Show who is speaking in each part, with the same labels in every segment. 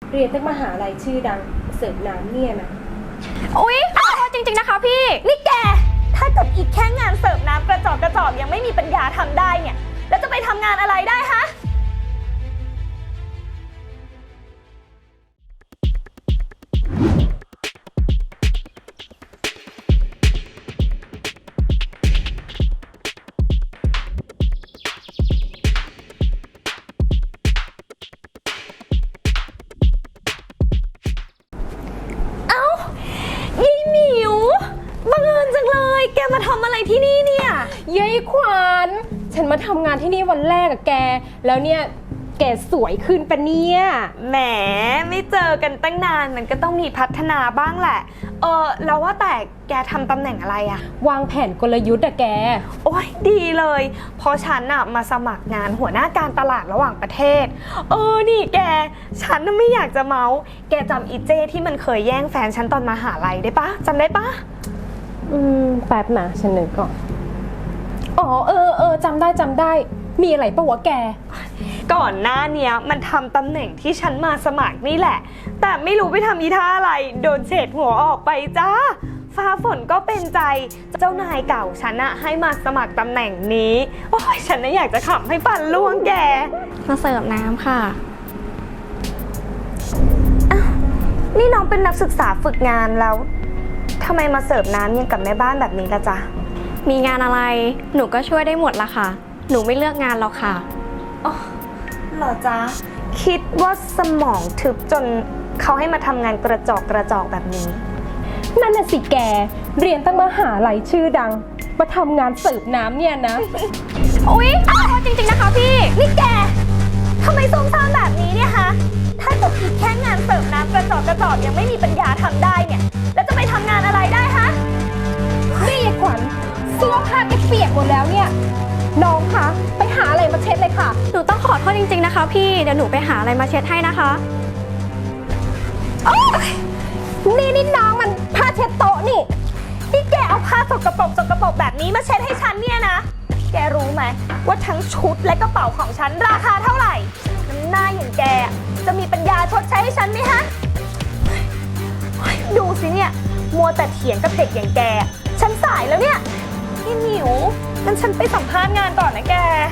Speaker 1: เรียนตั้งมหาลัยชื่อดังเสิร์ฟน้ำเนี่ยนะ
Speaker 2: อุ๊ยขอโทษจริงๆนะคะพี่นี่แกถ้าเกิดอีกแค่งานเสิร์ฟน้ำกระจอกยังไม่มีปัญญาทำได้เนี่ยแล้วจะไปทำงานอะไรได้ฮะยี่หมิวบังเอิญจังเลยแกมาทำอะไรที่นี่เนี่ย
Speaker 1: ยายขวัญฉันมาทำงานที่นี่วันแรกกับแกแล้วเนี่ยแกสวยขึ้นปะเนี่ย
Speaker 2: แหมไม่เจอกันตั้งนานมันก็ต้องมีพัฒนาบ้างแหละแล้วว่าแต่แกทำตำแหน่งอะไรอะ
Speaker 1: วางแผนกลยุทธ์อะแก
Speaker 2: โอ้ยดีเลยเพราะฉันน่ะมาสมัครงานหัวหน้าการตลาดระหว่างประเทศนี่แกฉันน่ะไม่อยากจะเมาส์แกจำอีเจ้ที่มันเคยแย่งแฟนฉันตอนมหาลัยได้ปะจำได้ปะ
Speaker 1: แป๊บนะฉันนึกก่อนจำได้มีอะไรปะวะแก
Speaker 2: ก่อนหน้าเนี้ยมันทำตำแหน่งที่ฉันมาสมัครนี่แหละแต่ไม่รู้ไปทำอีท่าอะไรโดนเฉดหัวออกไปจ้าฟ้าฝนก็เป็นใจเจ้านายเก่าฉันอะให้มาสมัครตำแหน่งนี้โอ้ยฉันน่ะอยากจะขำให้ฟันร่วงแก
Speaker 3: มาเสิร์ฟน้ำค่ะ
Speaker 2: นี่น้องเป็นนักศึกษาฝึกงานแล้วทำไมมาเสิร์ฟน้ำยังกับแม่บ้านแบบนี้ล่ะจ๊ะ
Speaker 3: มีงานอะไรหนูก็ช่วยได้หมดละค่ะหนูไม่เลือกงานหรอกค่ะ
Speaker 2: อ๋อเหรอจ๊ะคิดว่าสมองทึบจนเขาให้มาทำงานกระจอกแบบนี้
Speaker 1: นั่นน่ะสิแกเรียนตั้งมหาลัยชื่อดังมาทำงานเสิร์ฟน้ำเนี่ยนะ
Speaker 2: อุ๊ยขอโทษจริงๆนะคะพี่นี่แกทำไมซุ่มซ่ามแบบนี้เนี่ยฮะถ้าเกิดอีกแค่งานเสิร์ฟน้ำกระจอกยังไม่มีปัญญาทำได้เนี่ยแล้วจะไปทำงานอะไรได้ฮะ
Speaker 1: นี่ยายขวัญเสื้อผ้าแกเปียกหมดแล้วเนี่ยน้องคะไปหาอะไรมาเช็ดเลยค่ะ
Speaker 3: หนูต้องขอโทษจริงๆนะคะพี่เดี๋ยวหนูไปหาอะไรมาเช็ดให้นะคะ
Speaker 1: นี่น้องมันผ้าเช็ดโต๊ะนี่
Speaker 2: แกเอาผ้าสกปรกแบบนี้มาเช็ดให้ฉันเนี่ยนะแกรู้ไหมว่าทั้งชุดและกระเป๋าของฉันราคาเท่าไหร่น้ำหน้าอย่างแกจะมีปัญญาชดใช้ให้ฉันไหมฮะดูสิเนี่ยมัวแต่เถียงกับเด็กอย่างแกฉันสายแล้วเนี่ยพี่หมิวงั้นฉันไปสัมภาษณ์งานก่อนนะแก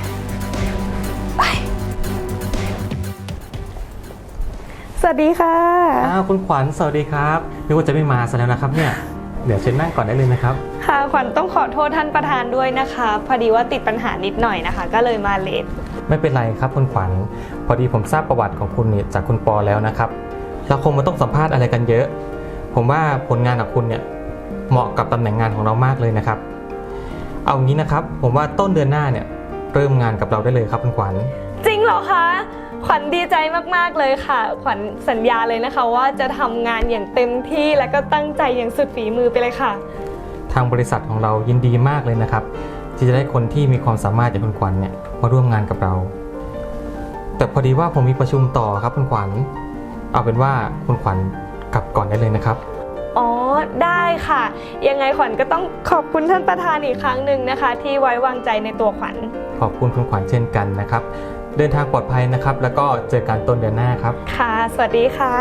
Speaker 2: สวัสดีค่ะ
Speaker 4: คุณขวัญสวัสดีครับนึกว่าจะไม่มาซะแล้วนะครับเนี่ยเดี๋ยวเชิญนั่งก่อนได้เลยนะครับ
Speaker 2: ค่ะขวัญต้องขอโทษท่านประธานด้วยนะคะพอดีว่าติดปัญหานิดหน่อยนะคะก็เลยมาเลท
Speaker 4: ไม่เป็นไรครับคุณขวัญพอดีผมทราบประวัติของคุณเนี่ยจากคุณปอแล้วนะครับเราคงไม่ต้องสัมภาษณ์อะไรกันเยอะผมว่าผลงานของคุณเนี่ยเหมาะกับตำแหน่งงานของเรามากเลยนะครับเอางี้นะครับผมว่าต้นเดือนหน้าเนี่ยเริ่มงานกับเราได้เลยครับคุณขวัญ
Speaker 2: จริงเหรอคะขวัญดีใจมากๆเลยค่ะขวัญสัญญาเลยนะคะว่าจะทำงานอย่างเต็มที่และก็ตั้งใจอย่างสุดฝีมือไปเลยค่ะ
Speaker 4: ทางบริษัทของเรายินดีมากเลยนะครับที่จะได้คนที่มีความสามารถอย่างคุณขวัญเนี่ยมาร่วมงานกับเราแต่พอดีว่าผมมีประชุมต่อครับคุณขวัญเอาเป็นว่าคุณขวัญกลับก่อนได้เลยนะครับ
Speaker 2: อ๋อได้ค่ะยังไงขวัญก็ต้องขอบคุณท่านประธานอีกครั้งหนึ่งนะคะที่ไว้วางใจในตัวขวัญ
Speaker 4: ขอบคุณคุณขวัญเช่นกันนะครับเดินทางปลอดภัยนะครับแล้วก็เจอกันต้นเดือนหน้าครับ
Speaker 2: ค่ะสวัสดีค่ะ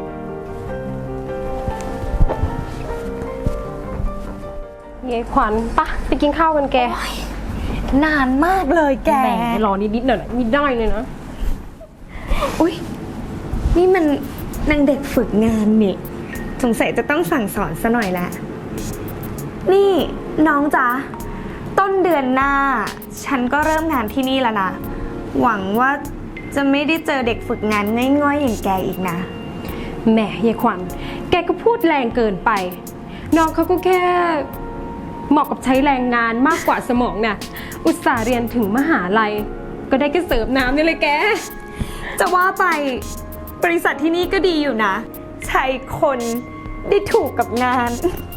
Speaker 1: ยายขวัญปะไปกินข้าวกันแก
Speaker 2: นานมากเลยแก
Speaker 1: แหมรอนิดหน่อยไม่ได้เลยนะ
Speaker 2: อุ๊ยนี่มันนางเด็กฝึกงานนี่สงสัยจะต้องสั่งสอนซะหน่อยแหละนี่น้องจ๊ะต้นเดือนหน้าฉันก็เริ่มงานที่นี่แล้วนะหวังว่าจะไม่ได้เจอเด็กฝึกงานง่อยๆอย่างแกอีกนะ
Speaker 1: แหมยายขวัญแกก็พูดแรงเกินไปน้องเขาก็แค่เหมาะกับใช้แรงงานมากกว่าสมองน่ะอุตส่าห์เรียนถึงมหาลัยก็ได้แค่เสิร์ฟน้ำนี่เลยแก
Speaker 2: จะว่าไปบริษัทที่นี่ก็ดีอยู่นะใช้คนได้ถูกกับงาน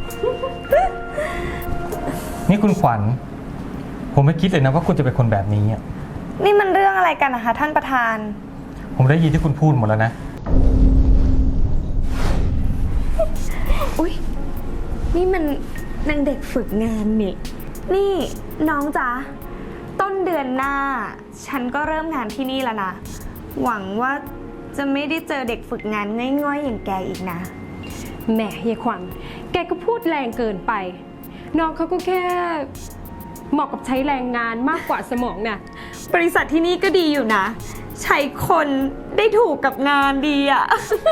Speaker 4: นี่คุณขวัญผมไม่คิดเลยนะว่าคุณจะเป็นคนแบบนี้
Speaker 2: นี่มันเรื่องอะไรกันนะคะท่านประธาน
Speaker 4: ผมได้ยินที่คุณพูดหมดแล้วนะ
Speaker 2: อุ๊ยนี่มันนางเด็กฝึกงานนี่น้องจ๊ะต้นเดือนหน้าฉันก็เริ่มงานที่นี่แล้วนะหวังว่าจะไม่ได้เจอเด็กฝึกงานง่อยๆอย่างแกอีกนะ
Speaker 1: แหมเฮียขวัญแกก็พูดแรงเกินไป น้องเขาก็แค่เหมาะกับใช้แรงงานมากกว่าสมองน่ะ
Speaker 2: บริษัทที่นี่ก็ดีอยู่นะ ใช้คนได้ถูกกับงานดีอะ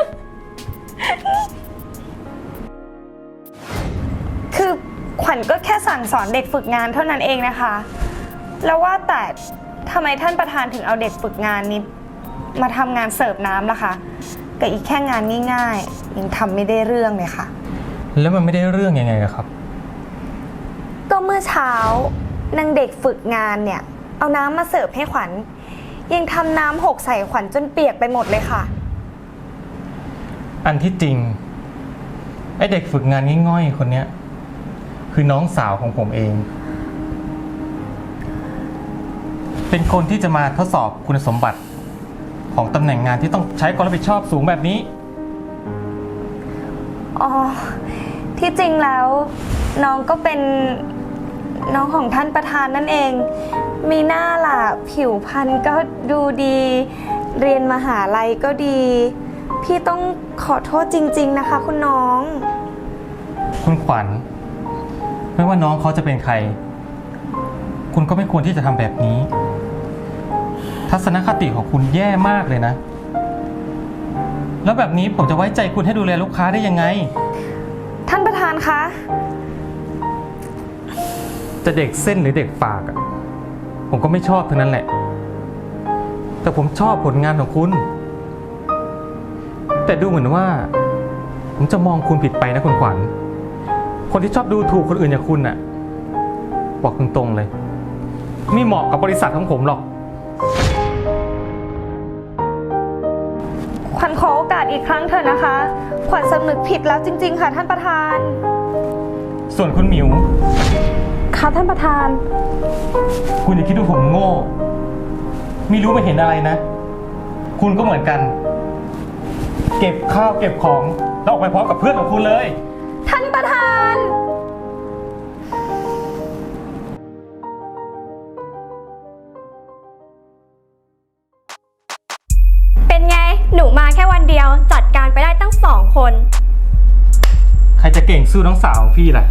Speaker 2: คือขวัญก็แค่สั่งสอนเด็กฝึกงานเท่านั้นเองนะคะ แล้วว่าแต่ทำไมท่านประธานถึงเอาเด็กฝึกงานนี้มาทำงานเสิร์ฟน้ำล่ะคะกับอีกแค่งานง่ายๆยังทำไม่ได้เรื่องเลยค่ะ
Speaker 4: แล้วมันไม่ได้เรื่องยังไงอะครับ
Speaker 2: ก็เมื่อเช้านางเด็กฝึกงานเนี่ยเอาน้ำมาเสิร์ฟให้ขวัญยังทำน้ำหกใส่ขวัญจนเปียกไปหมดเลยค่ะ
Speaker 4: อันที่จริงไอเด็กฝึกงานง่อยๆคนเนี้ยคือน้องสาวของผมเอง เป็นคนที่จะมาทดสอบคุณสมบัติของตำแหน่งงานที่ต้องใช้ความรับผิดชอบสูงแบบนี้
Speaker 2: อ๋อ ที่จริงแล้วน้องก็เป็นน้องของท่านประธานนั่นเอง มีหน้าล่ะผิวพรรณก็ดูดี เรียนมหาลัยก็ดี พี่ต้องขอโทษจริงๆนะคะคุณน้อง
Speaker 4: คุณขวัญไม่ว่าน้องเขาจะเป็นใคร คุณก็ไม่ควรที่จะทำแบบนี้ ทัศนคติของคุณแย่มากเลยนะ แล้วแบบนี้ผมจะไว้ใจคุณให้ดูแลลูกค้าได้ยังไง
Speaker 2: ท่านประธานคะ
Speaker 4: จะเด็กเส้นหรือเด็กฝากอะผมก็ไม่ชอบทั้งนั้นแหละ แต่ผมชอบผลงานของคุณ แต่ดูเหมือนว่า ผมจะมองคุณผิดไปนะคุณขวัญ คนที่ชอบดูถูกคนอื่นอย่างคุณน่ะ บอกตรงๆเลย ไม่เหมาะกับบริษัทของผมหรอก
Speaker 2: ขวัญขอโอกาสอีกครั้งเถอะนะคะ ขวัญสำนึกผิดแล้วจริงๆค่ะท่านประธาน
Speaker 4: ส่วนคุณหมิว
Speaker 1: ค่ะท่านประธาน
Speaker 4: คุณอย่าคิดว่าผมโง่ ไม่รู้ไม่เห็นอะไรนะ คุณก็เหมือนกัน เก็บข้าวเก็บของแล้วออกไปพร้อมกับเพื่อนของคุณเลย
Speaker 2: ท่านประธาน
Speaker 3: เป็นไง หนูมาแค่วันเดียว จัดการไปได้ตั้ง2 คน
Speaker 4: ใครจะเก่งสู้น้องสาวของพี่ล่ะ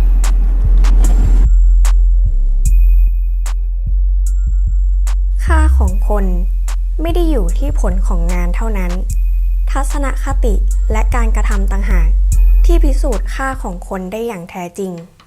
Speaker 3: ค่าของคนไม่ได้อยู่ที่ผลของงานเท่านั้น ทัศนคติและการกระทำต่างหากที่พิสูจน์ค่าของคนได้อย่างแท้จริง